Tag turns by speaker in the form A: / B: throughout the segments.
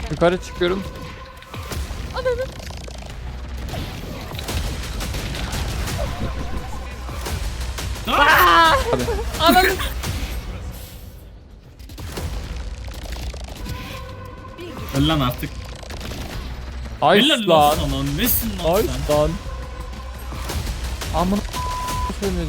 A: Yukarı çıkıyorum.
B: Ananı. Ananı.
C: Öl lan artık.
A: Ay
C: Helal
A: lan.
C: lan sana. Nesin lan
A: Ay
C: sen?
A: lan. Amına söylemedi.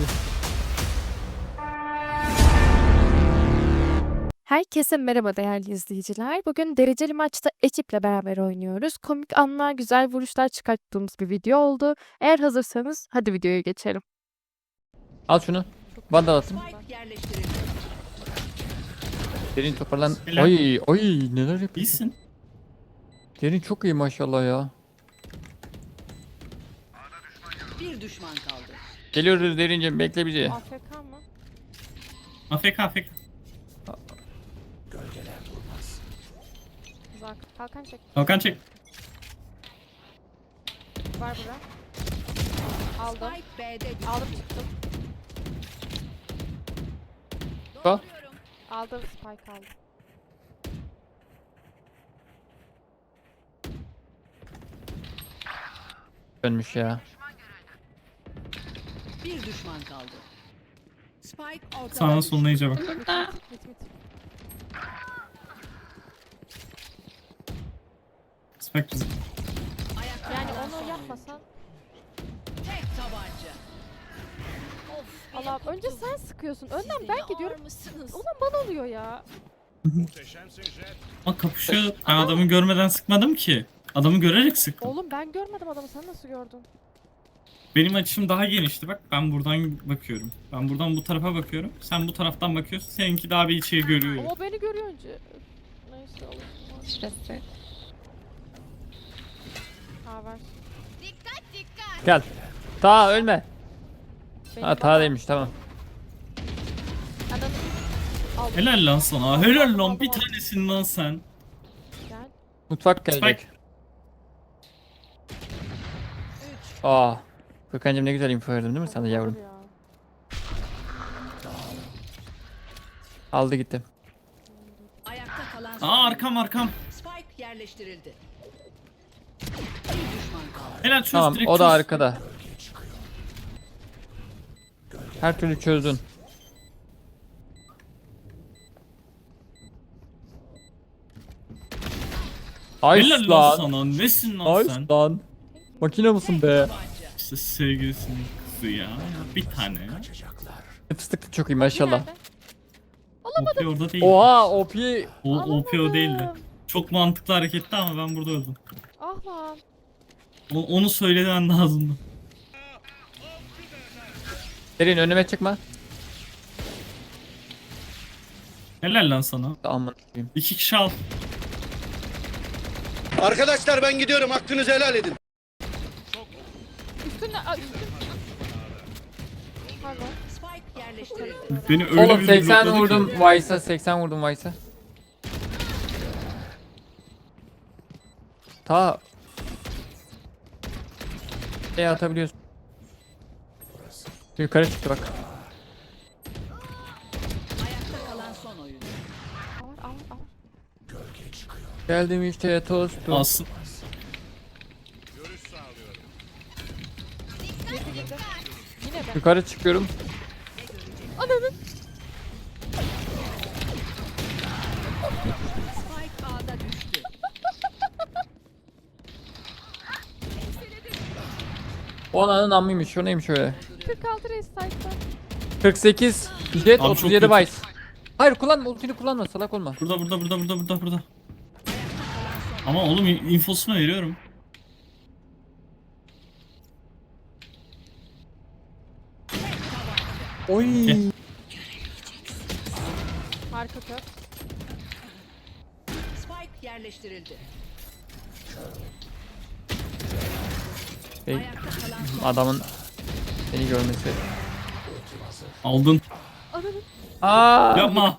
B: Herkese merhaba değerli izleyiciler. Bugün dereceli maçta ekiple beraber oynuyoruz. Komik anlar, güzel vuruşlar çıkarttığımız bir video oldu. Eğer hazırsanız hadi videoya geçelim.
A: Al şunu. Vandal atın. Derin toparlan.
C: Helal.
A: Ay ay neler yapıyorsun?
C: İyisin.
A: Derin çok iyi maşallah ya.
D: Bir düşman kaldı.
A: Geliyoruz Derincim, bekle bizi.
B: AFK mı?
C: AFK.
B: Uzak. Kalkan çek.
C: Kalkan çek.
B: Var bura. Aldım.
D: Spike B'de düştü.
B: Aldım çıktım.
A: Bak.
B: Aldım spike aldım.
A: Dönmüş ya.
D: Bir düşman kaldı. Spike ortada.
C: Sağına
D: düştü.
C: soluna iyice bak.
B: Mit.
C: Spike bizim.
D: Ayakta
B: Yani
D: kalan son
B: onu yapmasan.
D: tek tabanca.
B: Allah'ım önce sen sıkıyorsun. Önden ben gidiyorum. Ulan bana oluyor ya.
C: Bak kapışıyor. Ben adamı görmeden sıkmadım ki. Adamı görerek sıktım.
B: Oğlum ben görmedim adamı, sen nasıl gördün?
C: Benim açım daha genişti bak. Ben buradan bakıyorum. Ben buradan bu tarafa bakıyorum. Sen bu taraftan bakıyorsun. Seninki daha bir içeri görüyor.
B: Ama o beni görüyor önce. Neyse olur.
E: Stresli.
B: Ha var.
A: Gel. Ta ölme.
B: Benim
A: Ha ta demiş, tamam.
B: Adamı aldım.
C: Helal lan sana. Helal lan bir tanesin lan sen.
B: Gel.
A: Mutfak gelecek.
C: Spike.
A: Aa. Furkancığım ne güzel info verdim değil mi sana yavrum?
B: Olur ya.
A: Aldı gitti.
D: Ayakta kalan son.
C: Aa arkam.
D: Spike yerleştirildi. Bir düşman kaldı.
C: Helal çöz
A: Tamam,
C: direkt
A: o da
C: çöz.
A: arkada. Her türlü çözdün. Ay
C: Helal lan
A: lan.
C: sana. Nesin lan
A: Ay
C: sen?
A: lan. Makine mısın be?
C: İşte sevgilisinin kızı ya. Bir tane.
A: Fıstık da çok iyi maşallah.
B: Nerede?
C: OP orada değil.
A: Oha OP.
C: OP o değildi.
B: Alamadım.
C: Çok mantıklı hareketti ama ben burada öldüm.
B: Ah lan.
C: Onu söylemen lazımdı.
A: Derin önüme çıkma.
C: Helal lan sana.
A: Aman koyayım.
C: 2 kişi al.
F: Arkadaşlar ben gidiyorum, hakkınızı helal edin.
B: Üstünde. Üstünde. Pardon.
D: Spike yerleştirildi.
C: Beni öyle
A: Oğlum
C: bir
A: 80
C: blokladı
A: vurdum
C: ki.
A: Vice'a, 80 vurdum Vice'a. Ta atabiliyorsun. Yukarı çıktı bak.
D: Ayakta kalan son oyun.
B: Al.
A: Geldim işte tostum.
C: Alsın.
B: Yine ben.
A: Yukarı çıkıyorum.
B: Ananı.
D: Spike A'da düştü.
A: O ananın ammıymış. O neymiş öyle?
B: 46 reis sayfa.
A: 48 Jet,
C: Abi
A: 37
C: çok kötü.
A: Vice. Hayır kullanma, ultini kullanma, salak olma.
C: Burada. Ama oğlum infosunu veriyorum.
A: Oy.
B: Harika kök.
D: Spike yerleştirildi.
A: Şey,
D: Ayakta kalan son.
A: adamın seni görmesi.
C: Aldın.
B: Ananı.
A: Aa.
C: Yapma.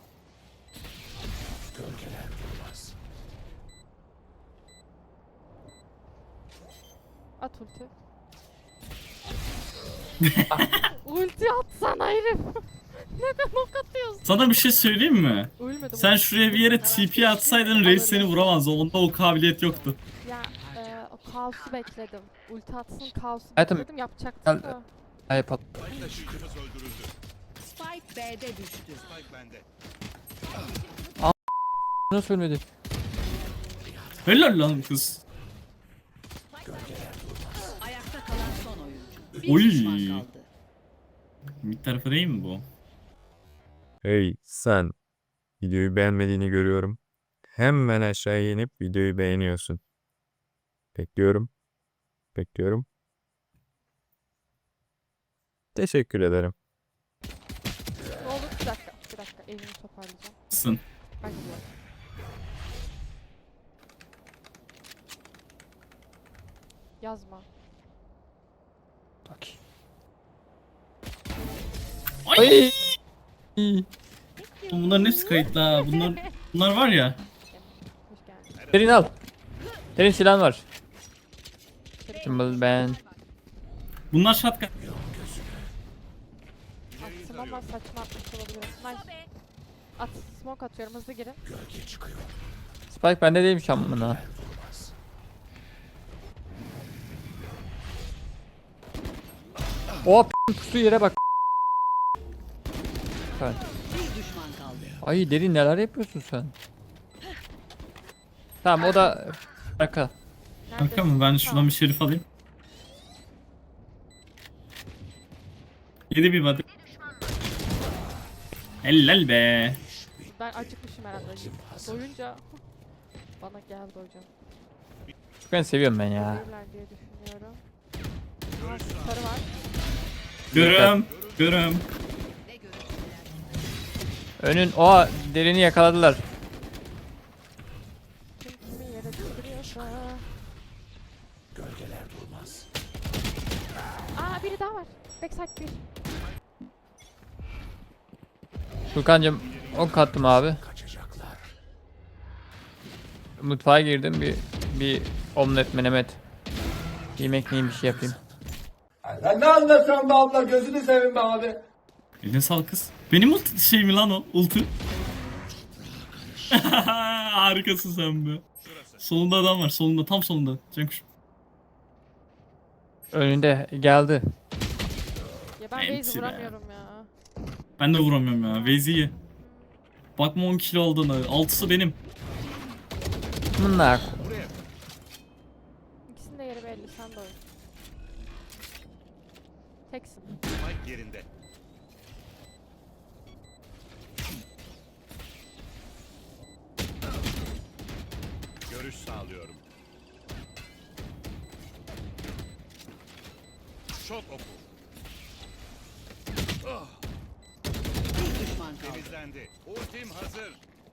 B: At ulti. Ulti atsana herif. Neden ok atıyorsun?
C: Sana bir şey söyleyeyim mi?
B: Ölmedim.
C: Sen şuraya bir yere TP atsaydın Reis seni vuramazdı. Onda o kabiliyet yoktu.
B: Ya o kaosu bekledim. Ulti atsın kaosu
A: Hayatım,
B: bekledim yapacaktım
A: gel-
B: da.
A: Ay pat.
D: Spike B'de düştü.
A: Nasıl ölmedi?
C: Helal lan kız.
D: Ayakta kalan son oyuncu. Bir
C: Oy.
D: düşman kaldı.
C: Bir tarafı değil mi bu?
E: Hey sen, videoyu beğenmediğini görüyorum. Hemen aşağıya inip videoyu beğeniyorsun. Bekliyorum. Bekliyorum. Teşekkür ederim.
B: Ne olur bir dakika. Bir dakika elimi toparlayacağım.
C: Sın.
B: Ben gidiyorum. Yazma.
A: Bak.
C: Ay!
A: Ay.
C: Bunların hepsi kayıtlı ha. Bunlar var ya.
B: Hoş geldin.
A: Derin al. Derin silahın var. Kimball ben.
C: Bunlar shotgun.
B: Attım ama saçma atmış olabilirim. Nice. At. Smoke atıyorum hızlı girin.
A: Spike bende değilmiş amına. O pusu yere bak. Sen.
D: Bir düşman kaldı.
A: Ay derin neler yapıyorsun sen? Tamam o da arka.
C: Kanka mı? Ben şuradan bir şerif alayım. Yedi bir body. Helal be.
B: Ben acıkmışım herhalde. Doyunca bana geldi hocam.
A: Ben seviyorum ben ya.
B: Gelirler diye düşünüyorum. Aa, sarı var.
C: Görüm. Görüm.
D: Ne görüntüler.
A: Önün o derini yakaladılar.
B: Kim kimi yere düşürüyorsa. Aa biri daha var. Backside bir.
A: Furkancığım ok attım abi. Mutfağa girdim bir omlet menemet. Yemek neyim bir şey yapayım.
G: Sen ne anlatıyorsun be abla gözünü seveyim be abi.
C: Eline sağlık kız. Benim şey mi lan o? Ulti. Harikasın sen be. Solunda adam var. Solunda. Tam solunda. Cankuş.
A: Önünde geldi.
B: Ya ben
C: Enti
B: Waze'i
C: be.
B: vuramıyorum ya.
C: Ben de vuramıyorum ya. Veyzi'yi. Bakma 10 kilo olduğunu. 6'sı benim.
A: Bunlar.
B: İkisinin de yeri belli. Sen de oyun. Teksin.
H: yerinde. Görüş sağlıyorum. Şok oku.
D: Bir düşman kaldı.
H: Temizlendi. Ultim hazır.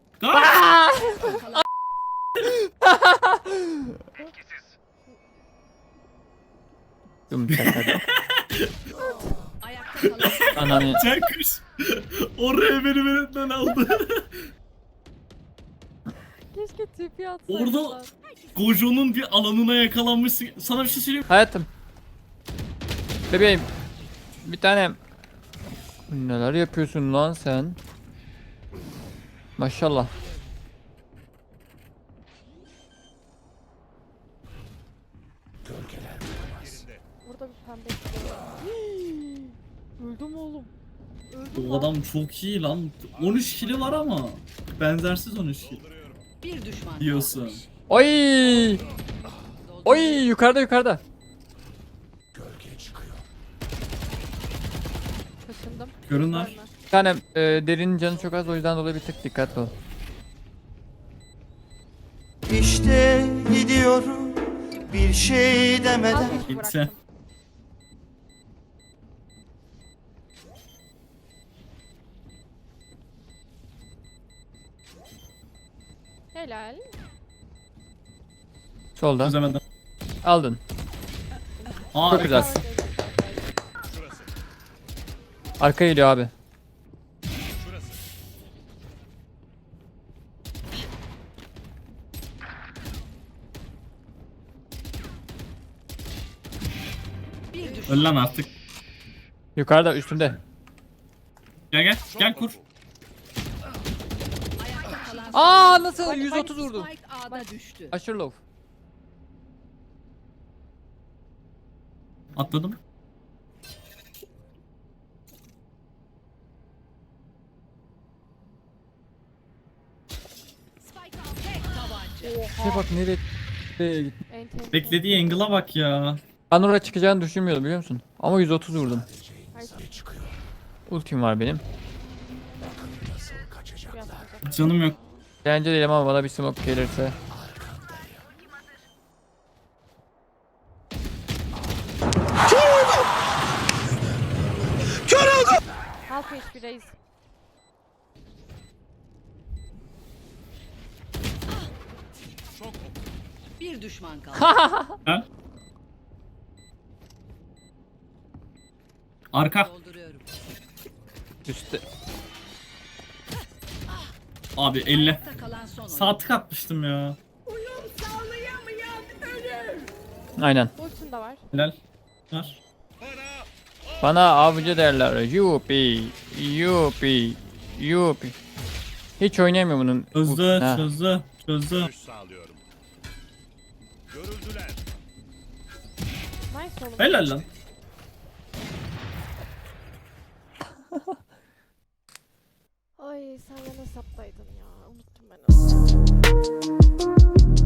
A: Dum çakadı.
D: Ayakta kalan son
A: Ananı.
C: Cankuş. Oraya beni benden aldı.
B: Keşke tipi atsaydılar.
C: Orada Gojo'nun bir alanına yakalanmışsın. Sana bir şey söyleyeyim.
A: Hayatım. Bebeğim. Bir tanem. Neler yapıyorsun lan sen? Maşallah.
B: Burada bir pembe istiyor. Öldüm oğlum. Öldüm
C: O adam çok iyi lan. 13 kilo var ama. Benzersiz 13 kilo.
D: bir düşman
C: Diyorsun.
A: Oy! Oy yukarıda yukarıda.
B: Kaşındım.
C: Görünler.
B: Görme.
A: Bir tanem derinin canı çok az o yüzden dolayı bir tık dikkatli ol.
I: İşte gidiyorum bir şey
B: Az
I: demeden.
B: geçti
C: Gitse.
B: bıraktım. Helal.
A: Solda.
C: Çözemedim.
A: Aldın.
C: Aa,
A: Çok güzel. Arka geliyor abi.
D: Bir düşman
C: Öl lan artık.
A: Yukarıda üstünde.
C: Gel gel. Gel kur.
D: Ayakta kalan
A: Aa nasıl? 130 vurdum.
D: Spike A'da düştü.
A: Aşırı low.
C: Atladım.
D: Spike A'da tek tabanca.
A: Ne bak nereye gitti.
B: En tehlikeli.
C: Beklediği angle'a bak ya.
A: Ben oraya çıkacağını düşünmüyordum biliyor musun? Ama 130 vurdum.
B: Ay,
A: Ultim var benim.
B: şu yapacak.
C: Canım yok.
A: Bence değilim ama bana bir smoke gelirse.
B: Half HP reis.
D: Bir düşman kaldı.
C: Ha? Arka.
D: Dolduruyorum.
A: Üstte.
C: Abi 50.
D: Ayakta kalan son oyun.
C: Sağ tık atmıştım ya.
A: Aynen.
B: Ultim de var.
C: Helal. Var.
A: Bana avcı derler. Yupi. Yupi. Yupi. Hiç oynayamıyor bunun.
C: Çözdü,
A: Ha.
C: çözdü, çözdü.
H: Görüş sağlıyorum. Görüldüler.
B: Nice oğlum.
C: Helal lan.
B: Ay sen yan hesaptaydın ya. Unuttum ben onu.